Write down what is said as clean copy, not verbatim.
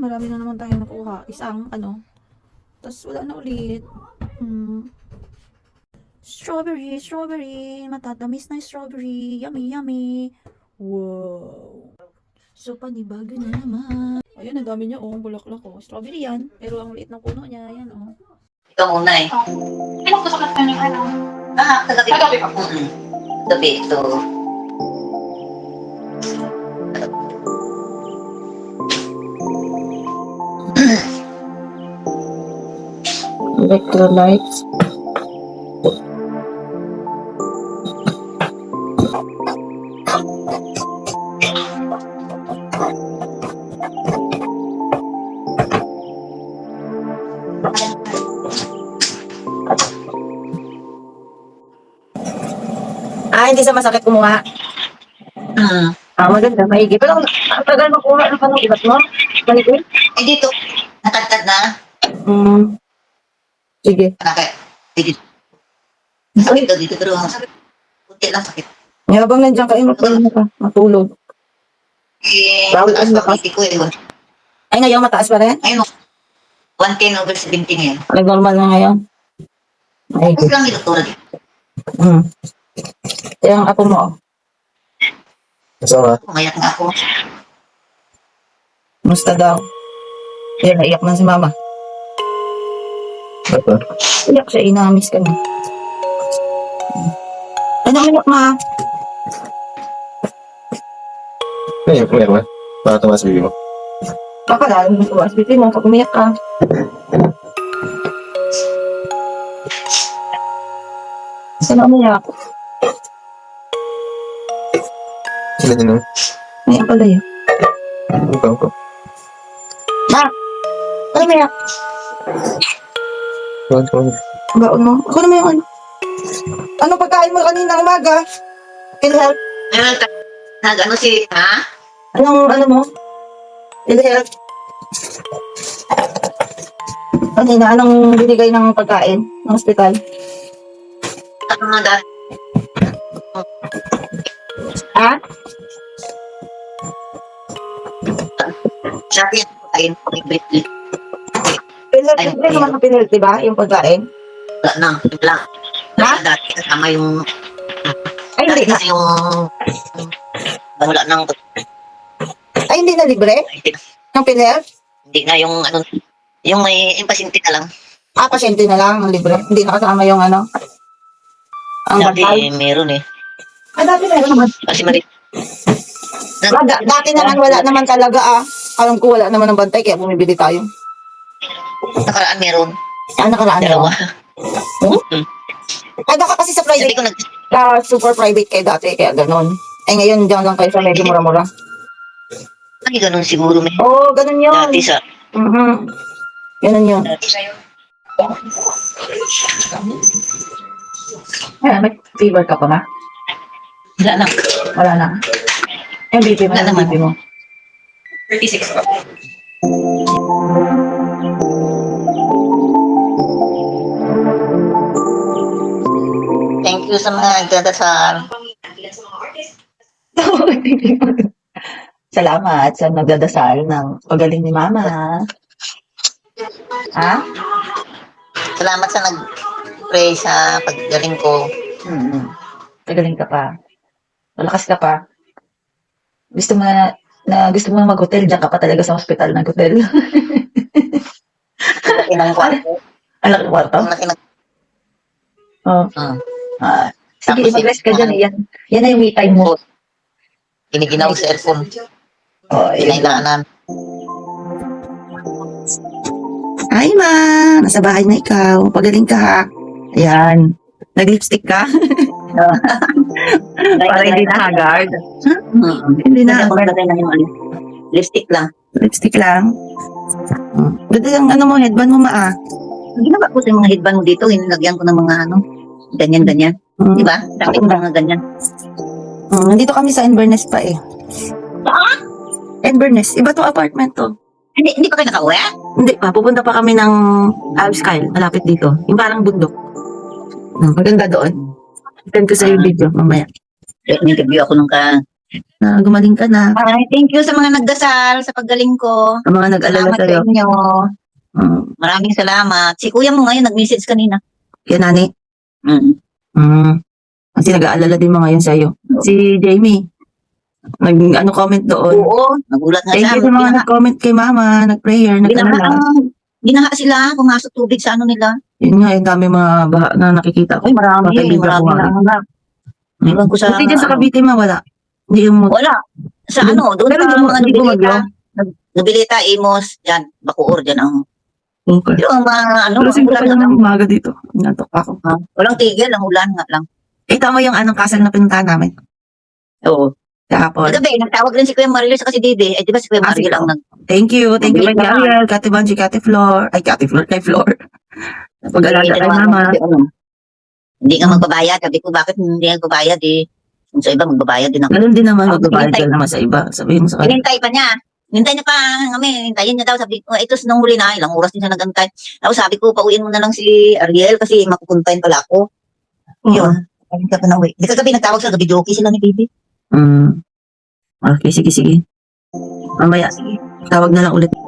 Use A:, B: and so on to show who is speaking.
A: marami na naman tayo nakuha. Isang, ano. Tapos, wala na ulit. Strawberry, strawberry. Matatamis na yung strawberry. Yummy, yummy. Wow. So, panibago na naman. Ayun, ang dami niya, oh. Bulaklak, oh. Strawberry yan. Pero ang liit ng puno niya, yan, oh.
B: Ikaw muna eh.
C: Ano ko sa kanya ano?
B: Kagabi.
C: Kagabi pa.
B: Gabi, ito.
A: Electrolytes. Hindi sa masakit kumuha. Maganda, maigi. Pero ang tagal makuha ng panong ibat mo. Maligid?
B: Eh dito, natagtad na.
A: Sige.
B: Dito. Sakit daw dito, pero sakit. Kunti lang sakit.
A: Habang nandiyan ka, magpahinga ka. Matulog. Bawal ang lakas.
B: Ko eh.
A: Ay, ngayon mataas pa rin?
B: Ayun, 110/70 ngayon.
A: Nag-normal na ngayon? Maigi.
B: Kasi lang yung doktora dito.
A: Yung ako mo.
D: Kasama?
B: Umayak nga ako.
A: Musta daw? Yan, naiyak na si mama.
D: Apa?
A: Iyak siya, inamis ka na. Ano iyak ma?
D: Umiyak ba? Bakit tumas bibi mo?
A: Baka lalo mo tuwas. Bitin mo, pag umiyak ka. Saan umiyak?
D: Sila din
A: Umiyak pala yun.
D: Ikaw ko.
A: Ma! Ano umiyak?
D: Tuwan ko.
A: Baon mo? Ako naman yung ano. Anong pagkain mo kanina umaga? PhilHealth?
B: Nag-ano si, ha?
A: Anong ano mo? PhilHealth? Kanina, anong binigay ng pagkain ng ospital?
B: Ano na dahil?
A: Ha?
B: Sabi yan, pagkain ko yung Britney.
A: PhilHealth,
B: Ay,
A: hindi naman sa PhilHealth, diba? Yung pagkain?
B: Wala na, wala.
A: Ha?
B: Dati kasama yung,
A: Ay, hindi
B: dati
A: na.
B: kasi yung, wala nang,
A: Ay, hindi na libre? Ng PhilHealth?
B: hindi na yung, ano, yung may pasyente ka lang.
A: Pasyente na lang ang libre. Hindi na kasama yung ano? Ang
B: Dati
A: bantay?
B: meron eh.
A: Dati meron naman.
B: Kasi mali.
A: Dati naman wala naman talaga Alam ko wala naman ng bantay kaya bumibili tayo.
B: Nakaraan meron.
A: Nakaraan
B: Dalawa.
A: Baka kasi sa
B: Sabi
A: private,
B: ko
A: super private kayo dati kaya ganon. Ngayon dyan lang kayo sa medyo mura-mura.
B: ay ganun siguro may.
A: Oo, ganon yun.
B: Dati sa,
A: Ganon yun.
B: dati sa'yo.
A: May fever ka pa ba?
B: Wala lang.
A: Wala na. BP mo
B: Wala
A: na
B: naman.
A: BP mo.
B: 36 pa. Thank you sa mga nagdadasal.
A: Salamat sa nagdadasal ng pagaling ni Mama. Ha?
B: Salamat sa nag-pray sa paggaling ko.
A: Pagaling ka pa. Malakas ka pa. Gusto mo gusto mo mag-hotel, diyan ka pa talaga sa hospital ng hotel.
B: Laki ng kwarto.
A: Ang laki ng kwarto?
B: Ang laki ng...
A: Oo. Sige,
B: Tapos
A: mag-rest ka dyan. Yan na yung me time mo.
B: Giniginaw sa earphone.
A: Yan.
B: Kinailangan.
A: Hi, Ma! Nasa bahay na ikaw. Pagaling ka, ha? Ayan. Nag-lipstick ka? Para hindi na haggard. Hindi na.
B: Maglagay na yung ano. Lipstick lang.
A: Lipstick lang. Ganda yung ano mo, headband mo, Ma,
B: Ginawa ko sa mga headband mo dito. Hinilagyan ko ng mga ano. Ganyan-ganyan. Di ba? Dami ko mga ganyan.
A: Nandito kami sa Inverness pa eh.
B: Saan?
A: Inverness. Iba to apartment to.
B: Hindi pa kayo nakauwi?
A: Hindi pa. Pupunta pa kami ng Alps Kyle. Malapit dito. Yung parang bundok. Maganda doon. Send ko sa yung video mamaya.
B: Interview ako nung
A: Na gumaling ka na.
B: Ay, thank you sa mga nagdasal sa paggaling ko.
A: Ang mga nag-alala
B: Salamat
A: sa'yo.
B: sa inyo.
A: Mm.
B: Maraming salamat. Si kuya mo ngayon nag-message kanina.
A: Kaya nani.
B: Mm.
A: Kasi nag-aalala din mga yun sa'yo. Si Jamie. Comment doon.
B: Oo, nagulat nga
A: Thank
B: siya.
A: you sa mga nag-comment kay mama, nag-prayer, nag-alala.
B: Ginaha sila, pumasok tubig sa ano nila.
A: Yun nga, yung dami mga baha na nakikita ko.
B: Ay, marami.
A: Bakit bigla
B: Marami
A: bumaha?
B: na. Iwan ko sa...
A: Buti dyan sa Cavite ma, wala. Hindi yung...
B: Wala. Sa
A: Hindi-
B: ano, doon
A: pero
B: sa
A: hindi mo-
B: mga
A: hindi mo
B: Nobilita. Nobilita, Imos, dyan. Bacoor, dyan ang...
A: Okay.
B: Pero ang mga ano,
A: Pero
B: ang
A: sing ko
B: ulan
A: pa
B: na lang.
A: ng umaga dito. Natok ako.
B: Walang tigil, ang ulan nga lang.
A: Kita mo yung anong kasal na pinuntahan namin.
B: Oo.
A: Kahapon.
B: Kagabi, nagtawag rin si Kuya Marilyn sa kasi Dede. Eh, di ba si Kuya
A: Sige.
B: Marilyn ang nag...
A: Thank you. Thank you kay
B: Mabilis naman.
A: Ariel, Kate Banji, Kate Flor. Ay, Kate Flor, kay Flor. Pag-alala kay
B: tinawagan
A: mama.
B: kasi ano, hindi nga magbabayad. Sabi ko, bakit hindi nga magbabayad eh? Kung sa iba, magbabayad din ako.
A: Ganun din naman,
B: Ah,
A: magbabayad
B: hinintay.
A: ka naman sa iba. Sabihin mo sa kanya.
B: Hinintay pa niya. Hinintay niya pa kami. Hintayin niya daw. Sabi ko, ito nung huli na. Ilang oras din siya nagantay. Tapos sabi ko, pauwiin mo na lang si Ariel kasi mapupuntahin pala ako. Yun. Sabi ka pa na uwi. Hindi kagabi nagtawag sa gabi. Joke sila ni Bibi.
A: Okay, sige. Mamaya, tawag na lang ulit.